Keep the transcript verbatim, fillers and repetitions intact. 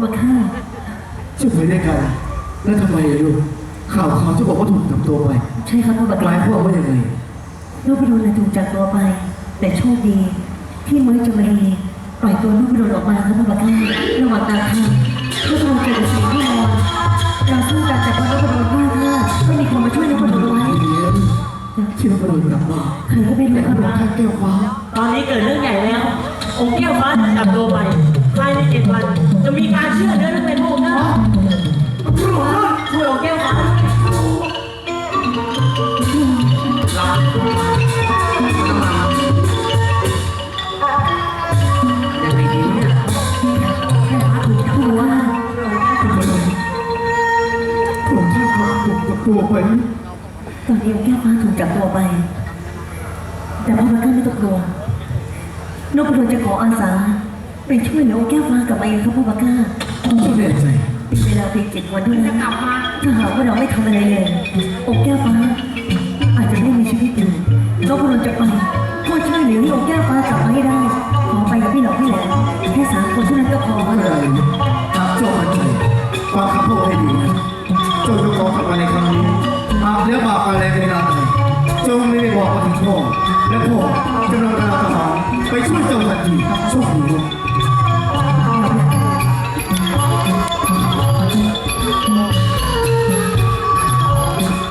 บักข้าช่วยไปด้วยกันแล้วทำไมอะลูกข่าวข่าวจะบอกว่าถูกจับตัวไปใช่ครับพ่อบักหมายความว่ายังไงลูกพระดลน่ะถูกจับตัวไป แต่โชคดีที่เมื่อจมารีปล่อยตัวลูกพระดลออกมาครับพ่อบักข้าระหว่างกลางทางลูกพระดลเกิดสิ่งที่นอนเราสู้กันแต่พอลูกพระดลว่าถ้าไม่มีคนมาช่วยลูกพระดลไว้ที่เราโดนกลับมาใครก็ไม่รู้ครับท่านแก้วฟ้าตอนนี้เกิดเรื่องใหญ่แล้ว องค์แก้วฟ้าจับตัวไปภายในเจ็ดวัน จะมีการเชื่อเนื้อเรื่องเป็นพระองค์นะช่วยองค์แก้วฟ้ายังไงดีเนี่ยคือว่าผมแค่พาผมกับตัวไปตอนนี้องค์แก้วฟ้าถูกจับตัวไป แต่พ่อบักข้าไม่ต้องกลัวลูกพระดลจะขออาสาไปช่วยเหลือองค์แก้วฟ้ากลับมาเองครับพ่อบักข้าเจ้าแน่ใจเป็นเวลาเพียงเจ็ดวันเท่านั้นถ้าหากว่าเราไม่ทำอะไรเลยองค์แก้วฟ้าอาจจะไม่มีชีวิตอยู่เราควรจะไปเพื่อช่วยเหลือให้องค์แก้วฟ้ากลับมาให้ได้ ขอไปกับพี่หลอกพี่แหลมแค่สามคนเท่านั้นก็พอเมื่อไหรหากเจ้ามั่นใจฟังคำพูดให้ดีนะเจ้าจะขอทำอะไรครั้งนี้หากเลี้ยบากอะไรไม่ได้เจ้าไม่ได้บอกมาถึงพ่อและพ่อกำลังกำลังทหารไปช่วยเจ้าทันทีโชคดี